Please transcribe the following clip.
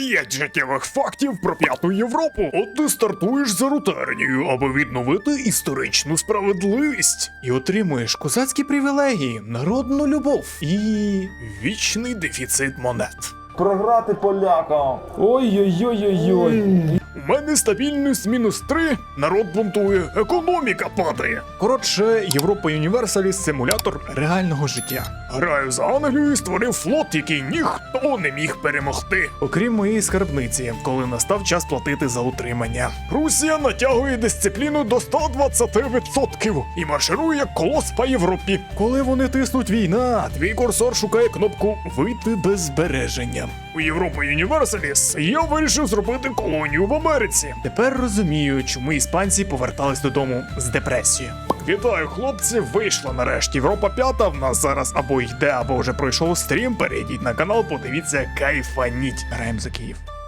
5 життєвих фактів про П'яту Європу. От ти стартуєш за Рутернію, аби відновити історичну справедливість. І отримуєш козацькі привілегії, народну любов і вічний дефіцит монет. Програти полякам. Ой-ой-ой-ой-ой. У мене стабільність -3, народ бунтує, економіка падає. Коротше, Європа Юніверсаліс – симулятор реального життя. Граю за Англію і створив флот, який ніхто не міг перемогти. Окрім моєї скарбниці, коли настав час платити за утримання. Русія натягує дисципліну до 120% і марширує як колос по Європі. Коли вони тиснуть війна, твій курсор шукає кнопку «Вийти без збереження». У Європа Юніверсаліс я вирішив зробити колонію в Америці. Тепер розумію, чому іспанці повертались додому з депресією. Вітаю, хлопці, вийшла нарешті Європа 5, в нас зараз або йде, або вже пройшов стрім. Перейдіть на канал, подивіться, кайфаніть. Граємо за Київ.